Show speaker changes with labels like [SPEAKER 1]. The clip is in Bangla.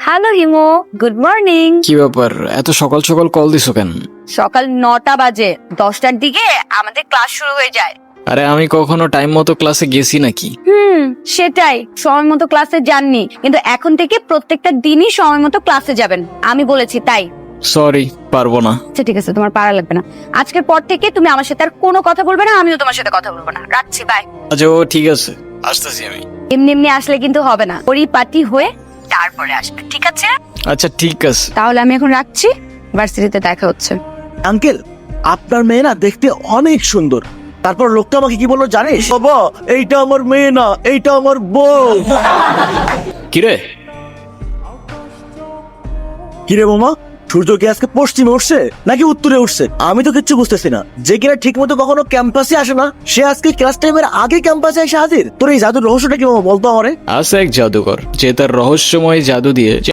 [SPEAKER 1] হ্যালো হিমো, গুড মর্নিং।
[SPEAKER 2] কি ব্যাপার, এত সকাল সকাল কল দিছো কেন?
[SPEAKER 1] সকাল 9টা বাজে, 10টার দিকে আমাদের ক্লাস শুরু হয়ে যায়।
[SPEAKER 2] আরে আমি কখনো টাইম মতো ক্লাসে গেছি নাকি?
[SPEAKER 1] সেটাই, সময় মতো ক্লাসে যাননি, কিন্তু এখন থেকে প্রত্যেকটা দিনই সময় মতো ক্লাসে যাবেন, আমি বলেছি তাই।
[SPEAKER 2] সরি, পারবো না।
[SPEAKER 1] আচ্ছা ঠিক আছে, তোমার পারা লাগবে না। আজকের পর থেকে তুমি আমার সাথে আর কোনো কথা বলবে না, আমিও তোমার সাথে কথা বলবো না। রাখছি, বাই।
[SPEAKER 2] আচ্ছা ও ঠিক আছে, আসতেছি আমি।
[SPEAKER 1] এমনি এমনি আসলে কিন্তু হবে না, পরিপাটি হয়ে তারপরে আসবে, ঠিক আছে?
[SPEAKER 2] আচ্ছা ঠিক আছে।
[SPEAKER 1] তাহলে আমি এখন রাখছি, ভার্সিটিতে দেখা হচ্ছে।
[SPEAKER 3] আঙ্কেল, আপনার মেয়ে না দেখতে অনেক সুন্দর। তারপর লোকটা আমাকে কি বললো জানিস? বাবা, এইটা আমার মেয়ে না, এইটা আমার বউ।
[SPEAKER 2] কিরে,
[SPEAKER 3] কিরে মামা, সূর্য কি আজকে পশ্চিমে উঠছে নাকি উত্তরে উঠছে? আমি তো কিচ্ছু বুঝতেছি না। যে কিনা ঠিক মতো কখনো ক্যাম্পাসে আসে না, সে আজকে ক্লাস টাইমের আগে ক্যাম্পাসে এসে হাজির। তোর এই জাদুর রহস্যটা কি মামা, বলতো আমারে।
[SPEAKER 2] আছে এক জাদুকর যে তার রহস্যময় জাদু দিয়ে